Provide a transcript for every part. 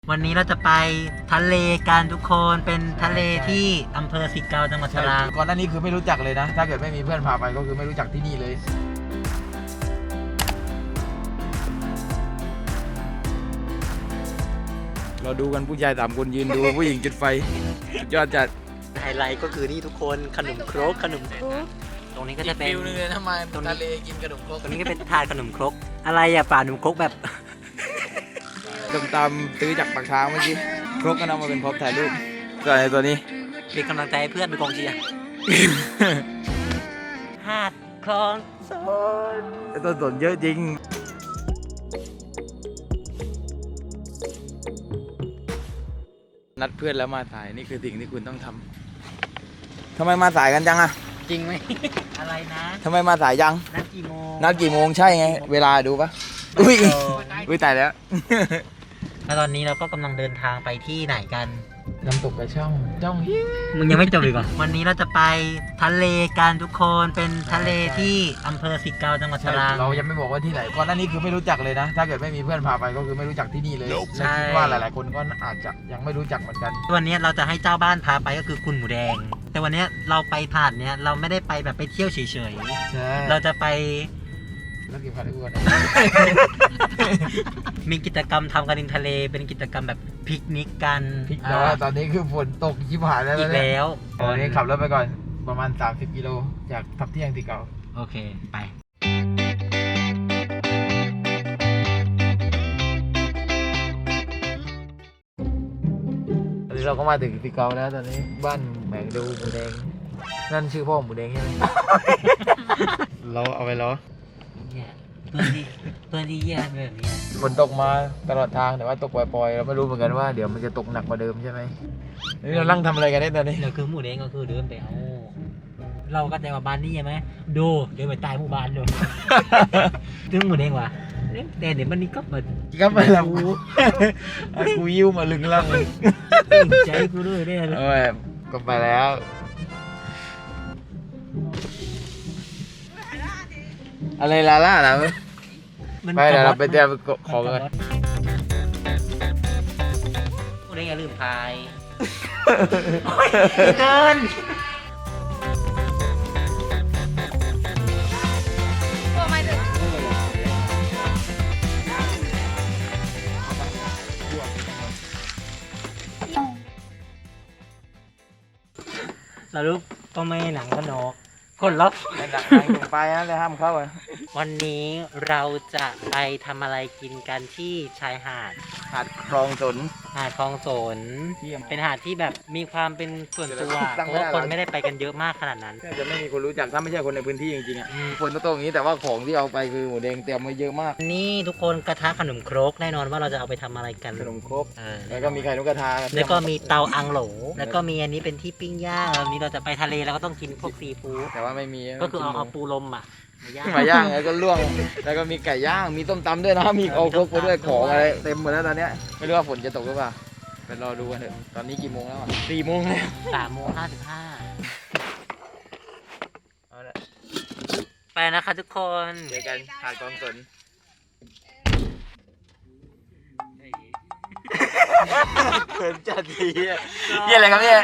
วันนี้เราจะไปทะเลกันทุกคนเป็นทะเลที่อำเภอสิเกาจังหวัดตราดก่อนหน้านี้คือไม่รู้จักเลยนะถ้าเกิดไม่มีเพื่อนพาไปก็คือไม่รู้จักที่นี่เลย เราดูกันผู้ชาย3 คนยืนดู ผู้หญิงจุดไฟยอดจัดไฮไลท์ก็คือนี่ทุกคนขนมครกตรงนี้ก็จะเป็นฟิลนึงเลยทำไมทะเลกินขนมครกตรงนี้ก็เป็นถาดขนมครกอะไรอะป่าขนมครกแบบตามซื้อจากปากช้างเมื่อกี้ครกก็นำมาเป็นพร็อพถ่ายรูปส่วนไอ้ตัวนี้เป็นกำลังใจให้เพื่อนเป็นกองเชียร์ หาดคลองสนไอ้ต้นสนเยอะจริงนัดเพื่อนแล้วมาถ่ายนี่คือสิ่งที่คุณต้องทำทำไมมาสายกันจังอะจริงไหม อะไรนะทำไมมาสายจังนัดกี่โมงนัดกี่โมงใช่ไงเวลาดูปะอุ้ยตายแล้วแล้วตอนนี้เราก็กำลังเดินทางไปที่ไหนกันน้ำตกกระช่องมึงยังไม่จบอีกเหรอ วันนี้เราจะไปทะเลกันทุกคนเป็นทะเลที่อำเภอสิเกาจังหวัดตราดเรายังไม่บอกว่าที่ไหนก่อนหน้านี้คือไม่รู้จักเลยนะ ถ้าเกิดไม่มีเพื่อนพาไปก็คือไม่รู้จักที่นี่เลยและคิดว่าหลายๆคนก็อาจจะยังไม่รู้จักเหมือนกันวันนี้เราจะให้เจ้าบ้านพาไปก็คือคุณหมูแดง แต่วันนี้เราไปผ่านเนี้ยเราไม่ได้ไปแบบไปเที่ยวเฉยใช่ๆเราจะไปแล้วกี่พันได้กูนะมีกิจกรรมทำกันริมทะเลเป็นกิจกรรมแบบปิกนิกกันแต่ว่าตอนนี้คือฝนตกชิบหายแล้วอีกแล้วตอนนี้ขับรถไปก่อนประมาณ30 กิโลจากทับเที่ยงที่เก่าโอเคไปตอนนี้เราก็มาถึงที่เก่าแล้วตอนนี้บ้านแหมงดูหมูแดงนั่นชื่อพ่อหมูแดงใช่ไหม เราเอาไปล้อเนี่ยเพื่อนที่แย่แบบนี้ฝนตกมาตลอดทางแต่ว่าตกปล่อยๆเราไม่รู้เหมือนกันว่าเดี๋ยวมันจะตกหนักกว่าเดิมใช่ไหมนี่เรานั่งทำอะไรกันเนี่ยตอนนี้เราคือหมูแดงก็คือเดินไปเอาเราก็ใจว่าบ้านนี้ใช่ไหมดูเดินไปใต้หมู่บ้านดูถึงหมูแดงว่ะแต่เดี๋ยวมันนี้ก็มาก็ไปแล้วกูยิ้วมาลึงล่างเลยใจกูด้วยเนี่ยเออก็ไปแล้วอะไรลาล่านะไปเดี๋ยวเราไปเตรียมของกันหมูแดงอย่าลืมพายเดินเราลูกก็ไม่หนังก็นกคนล็อกในหนังไปนะเลยห้ามเข้าอ่ะวันนี้เราจะไปทำอะไรกินกันที่ชายหาดหาดคลองสนหาดคลองสนเยี่ยมเป็นหาดที่แบบมีความเป็นส่วนตัวตั้งเพไม่ราะได้ว่าคนไม่ได้ไปกันเยอะมากขนาดนั้นจะไม่มีคนรู้จักถ้าไม่ใช่คนในพื้นที่จริงๆอ่ะฝนตกอย่างนี้แต่ว่าของที่เอาไปคือหมูแดงเตรียมมาเยอะมากนี่ทุกคนกระทะขนมครกแน่นอนว่าเราจะเอาไปทำอะไรกันขนมครกเออแล้วก็มีไข่นกกระทาแล้วก็มีเตาอังโหล แล้วก็มีอันนี้เป็นที่ปิ้งย่างแล้ววันนี้เราจะไปทะเลแล้วก็ต้องกินพวกซีฟู้ดแต่ว่าไม่มีก็คือเอาปูลมอ่ะมาย่างมาย่างแล้วก็ลวกแล้วก็มีไก่ย่างมีต้มตำด้วยนะมีเอาครกไปด้วยของอะไรเต็มหมดแล้วตอนเนี้ยไม่รู้ว่าฝนจะตกหรือเปล่าไปรอดูกันเถอะตอนนี้กี่โมงแล้วอ่ะ4 โมงแล้ว 3:55 เอาละไปนะคะทุกคนเจอกันหาดคลองสนเขินจัดทีอ่ะเยี่ยอะไรครับเนี่ย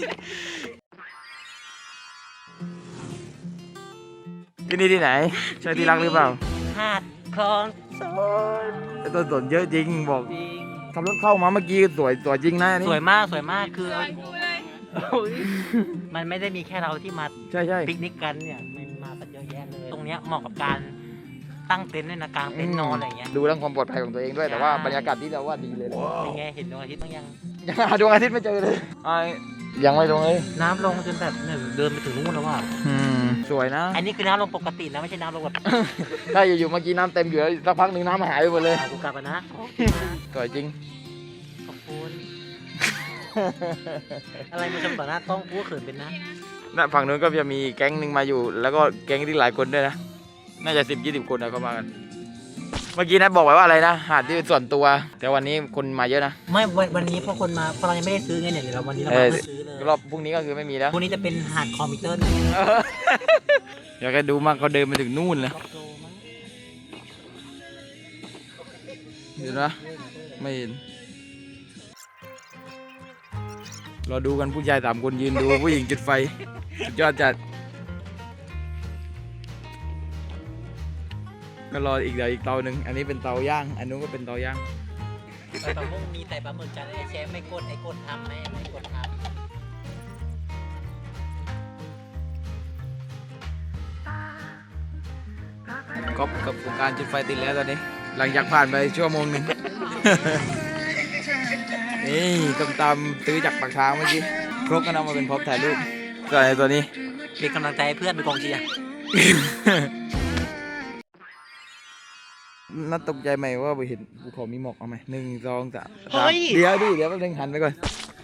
ที่นี่ที่ไหนใช่ที่รักหรือเปล่าหาดคลองสนไอ้ต้นสนเยอะจริงบอกจริงขับรถเข้ามาเมื่อกี้สวยจริงนะอันนี้สวยมากคือมันไม่ได้มีแค่เราที่มาใช่ปิกนิกกันเนี่ยมันมากันเยอะแยะเลย ตรงเนี้ยเหมาะกับการตั้งเต็นท์ด้วยนะกลางเต็นท์นอนอะไรอย่างเงี้ยดูเรื่องความปลอดภัยของตัวเองด้วยแต่ว่าบรรยากาศที่เราว่าดีเลยนะเป็นไงเห็นดวงอาทิตย์บ้างยังยังหาดวงอาทิตย์ไม่เจอเลยยังไม่ลงเลยน้ำลงจนแบบเนี่ยเดินไปถึงนู่นแล้วว่ะสวยนะอันนี้คือน้ำลงปกตินะไม่ใช่น้ำลงแบบถ้าอยู่ๆเมื่อกี้น้ำเต็มอยู่แล้วสักพักหนึ่งน้ำหายไปหมดเลยเอากูกลับมานะสวยจริงขอบคุณ อะไรมาชมต่อหน้ากล้องกูก็เขินเป็นนะน่ะฝั่งนู้นก็จะมีแก๊งหนึ่งมาอยู่ แล้วก็แก๊งที่หลายคนด้วยนะน่าจะ10-20 คนนะเข้ามากันเมื่อกี้นัดบอกไว้ว่าอะไรนะหาดที่เป็นส่วนตัว แต่วันนี้คนมาเยอะนะไม่วันนี้พอคนมาพอเรายังไม่ได้ซื้อไงเนี่ยเดี๋ยวเราวันนี้เรามาเพื่อซื้อเลยรอบพรุ่งนี้ก็คือไม่มีแล้วพวกนี้จะเป็นหาดคอมพิวเตอร์อยากให้ดูมากเขาเดินไปถึงนู่นเลยล็อกโลมั้งเห็นปะไม่เห็นรอดูกันผู้ชาย3 คนยืนดู ผู้หญิงจุดไฟสุดยอดจัดก็รออีกเดี๋ยวอีกเตาหนึ่งอันนี้เป็นเตาย่างอันนู้นก็เป็นเตาย่างปลาหมึกมีแต่ปลาหมึกกันไอ้เชฟไม่กดทำไม่กดทำก๊อฟกับโครงการจุดไฟติดแล้วตอนนี้ หลังจากผ่านไปชั่วโมงหนึ่ง นี่ต้มตำซื้อจากปากทางเมื่อกี้ครกก็นำมาเป็นพร็อพถ่ายรูปส่วนไอ้ตัวนี้เป็นกำลังใจให้เพื่อนเป็นกองเชียร์น่าตกใจไหมว่าไปเห็นภูเขามีหมอกเอาไหม1 2 3เดี๋ยวดิเดี๋ยวแป๊บนึงหันไปก่อน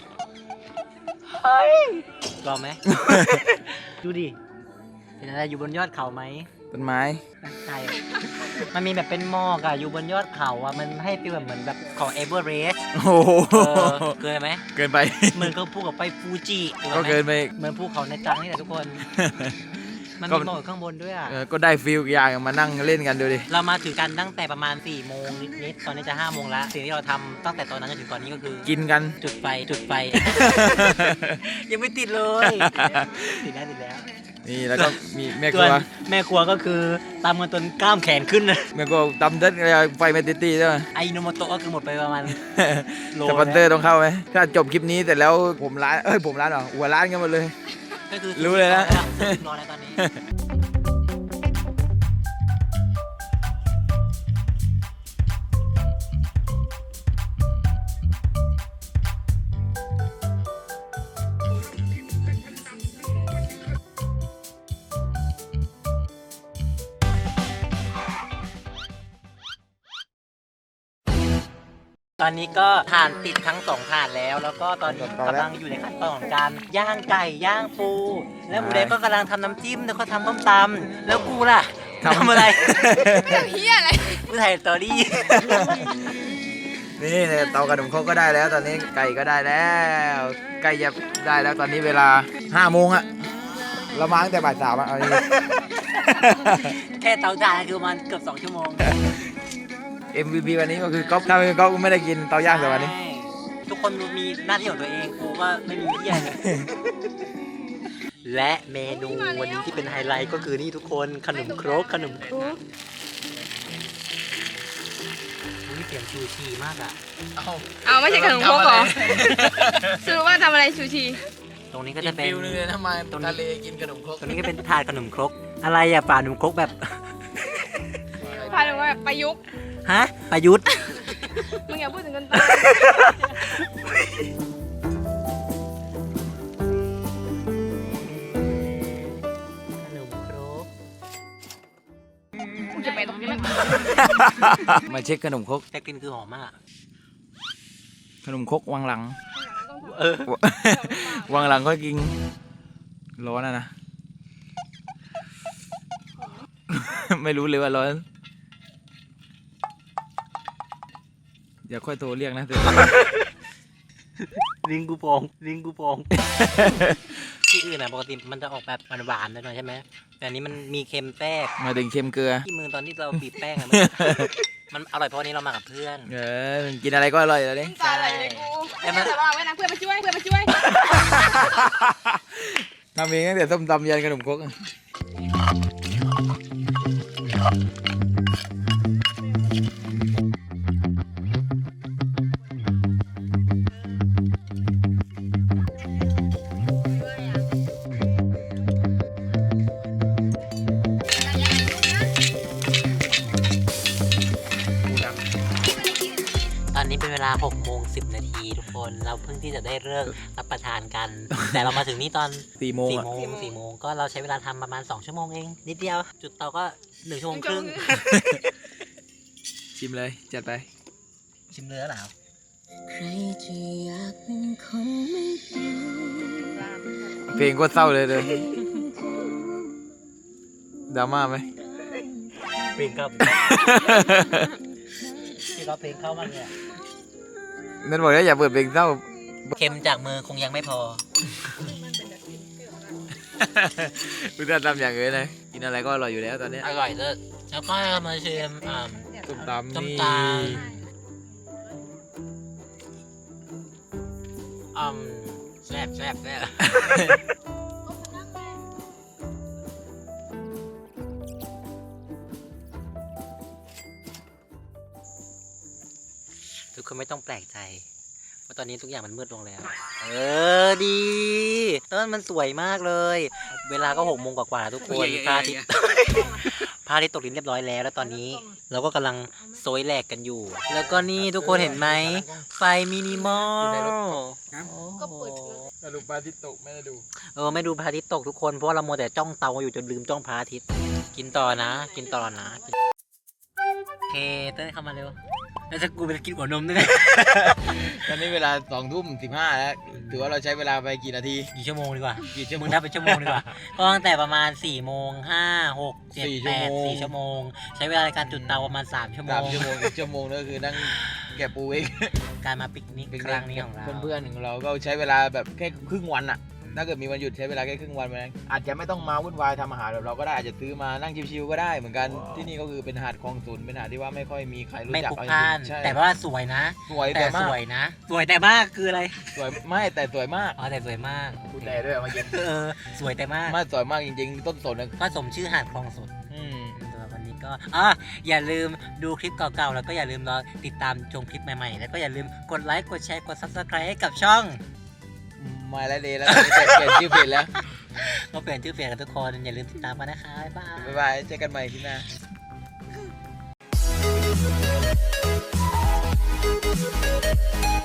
รอไหม ดูดิเป็นอะไรอยู่บนยอดเขาไหมต้นไม้ใช่มันมีแบบเป็นหมอกอะอยู่บนยอดเขาอะมันให้ฟีลแบบเหมือนแบบของเอเวอเรสต์โอ้โหเกินไหมเกินไปเหมือนกับภูเขาไปฟูจิก็เกินไปเหมือนภูเขาในจังนี่แหละทุกคน มันก็มีหมอกข้างบนด้วยอะก็ได้ฟิลอย่างมานั่งเล่นกันดูดิเรามาถึงกันตั้งแต่ประมาณ4 โมงนิดๆตอนนี้จะ5 โมงแล้วสิ่งที่เราทำตั้งแต่ตอนนั้นจนถึงตอนนี้ก็คือกินกันจุดไฟ ยังไม่ติดเลย ติดแล้วนี่แล้วก็มีแม่คส่รัววนแม่ครัวก็คือตามกันจนกล้ามแขนขึ้นนะแม่ครัวตำเด็ดไฟไม่ติดตีใช่ไหมไอโนโมโตะก็คือหมดไปประมาณโลสปอนเซอร์ต้องเข้าไหมถ้าจบคลิปนี้แต่แล้วผมร้านผมร้านเหรอหัวร้านกันหมดเลยก็คือรู้เลยนะนอนแล้วตอนนี้ ตอนนี้ก็ทานติดทั้ง2 ถาดแล้วก็ตอนนี้กำลังอยู่ในขั้นตอนของการย่างไก่ย่างปู แล้วหมูแดงก็กำลังทำน้ำจิ้มแล้วก็ทำต้มตำแล้วกูล่ะทำอะไรเฮียอะไรกูถ่ายสตอรี่นี่เนี่ยเตากระดูกเขาก็ได้แล้ว ตอนนี้ไก่ก็ได้แล้วไก่จะได้แล้วตอนนี้เวลา5 โมงอะเรามาตั้งแต่บ่าย 3อะเอาดิแค่เตาถ่านคือมันเกือบ2 ชั่วโมง MVP วันนี้ก็คือก๊อฟถ้าไม่ก๊อฟก็ไม่ได้กินเตาย่างแต่วันนี้ทุกคนมีหน้าที่ของตัวเองกูก็ไม่มีเหี้ยเลย และเมนูวันนี้ที่เป็นไฮไลท์ก็คือนี่ทุกคนขนมครกนี่เสียงชูชีมากอ่ะเอาไม่ใช่ขนมครกเหรอสรุปว่าทำอะไรชูชีตรงนี้ก็จะเป็นฟิลนึงเลยทำไมทะเลกินขนมครกตรงนี้ก็เป็นถาดขนมครกอะไรอ่ะป่าขนมครกแบบพาถึงว่าแบบประยุกต์ฮะประยุทธ์มึงอย่าพูดถึงกันตายขนมครกกูจะไปตรงนี้มันมาเช็คขนมครกแต่กลิ่นคือหอมมากขนมครกวางหลังเออวางหลังค่อยกินร้อนนะ ไม่รู้เลยว่าร้อนอย่าค่อยโทรเรียกนะลิงกูพองที่อื่นอ่ะปกติมันจะออกแบบหวานๆหน่อยใช่ไหมแต่อันนี้มันมีเค็มแทรกมาถึงเค็มเกลือที่มือตอนที่เราบีบแป้งอะ มันอร่อยเพราะวันนี้เรามากับเพื่อนกินอะไรก็อร่อยแล้วนี่ตายอะไรเลยกูแต่มันระวังไว้นะเพื่อนมาช่วยทำเองตั้งแต่ส้มตำยันขนมครกตอนนี้เป็นเวลา6:10 นาทีทุกคนเราเพิ่งที่จะได้เลิกรับประทานกัน แต่เรามาถึงนี่ตอน 4 โมง 4 โมงก็เราใช้เวลาทำประมาณ2 ชั่วโมงเองนิดเดียวจุดเตาก็1 ชั่วโมงครึ่งชิมเลยจัดไปชิมเนื้อเหรอเพลงก็เศร้าเลยดราม่าไหมเพลงครับที่เราเพลงเข้ามาเลยอะนั่นบอกว่าอย่าเปิดเพลงเศร้าเค็มจากมือคงยังไม่พอคุณจะทำอย่างอื่นเลยกินอะไรก็อร่อยอยู่แล้วตอนนี้อร่อยเลยแล้วก็มาชิมส้มตำส้มนี่ตำแซ่บแซ่บแซ่บทุกคนไม่ต้องแปลกใจว่าตอนนี้ทุกอย่างมันมืดลงแล้ว ดีต้นมันสวยมากเลย เวลาก็6 โมงกว่าๆทุกคนพระอาทิตย์พระอาทิตย์ตกดินเรียบร้อยแล้วตอนนี้เราก็กำลังโซยแหลกกันอยู่ แล้วก็นี่ทุกคนเห็นไหมไฟมินิมอลก็เปิดสรุปปลาที่ตกไม่ได้ดูไม่ดูพระอาทิตย์ตกทุกคนเพราะว่าเราโมวแต่จ้องเตาอยู่จนลืมจ้องพระอาทิตย์กินต่อนะเฮ้เต้นเข้ามาเร็วแล้วจะกูไปกินหัวนมด้วยตอนนี้เวลา20:15แล้วถือว่าเราใช้เวลาไปกี่นาทีกี่ชั่วโมงดีกว่ากี่ชั่วโมมึงงนับเป็นชั่วโมงดีกว่าก็ตั้งแต่ประมาณ4 โมง 5 6 7 4 8 4 ชั่วโมงใช้เวลาในการจุดเตาประมาณ3 ชั่วโม 3 งชั่วโมงอีกชั่วโมงก็คือนั่งแกะปูเองการมาปิกนิกครั้งนี้ของเราเพื่อนๆของเราก็ใช้เวลาแบบแค่ครึ่งวันอะถ้าเกิดมีวันหยุดใช้เวลาแค่ครึ่งวันไปอาจจะไม่ต้องมาวุ่นวายทำอาหารแบบเราก็ได้อาจจะซื้อมานั่งชิวๆก็ได้เหมือนกันที่นี่ก็คือเป็นหาดคลองสุนเป็นหาดที่ว่าไม่ค่อยมีใครรู้ไม่จักพลุกเอาพล่านจริงๆใช่แต่ว่าสวยนะสวยแต่แต่สมากวยนะสวยแต่มากคืออะไรสวยไม่แต่สวยมากอ๋อแต่สวยมากพูดแต่ด้วยเอามาเย็นสวยแต่มากไม่สวยมากจริงๆต้นสนนะก็สมชื่อหาดคลองสดอืมสำหรับวันนี้ก็อย่าลืมดูคลิปเก่าๆแล้วก็อย่าลืมรอติดตามชมคลิปใหม่ๆแล้วก็อย่าลืมกดไลค์กดแชร์กด Subscribe ให้กับช่องมาแล้วเดย์แล้วตอนนี้เปลี่ยนชื่อเพจแล้วก็เปลี่ยนชื่อเพจกันทุกคนอย่าลืมติดตามกันนะคะ บ๊ายบายบ๊ายบายเจอกันใหม่คลิปหน้า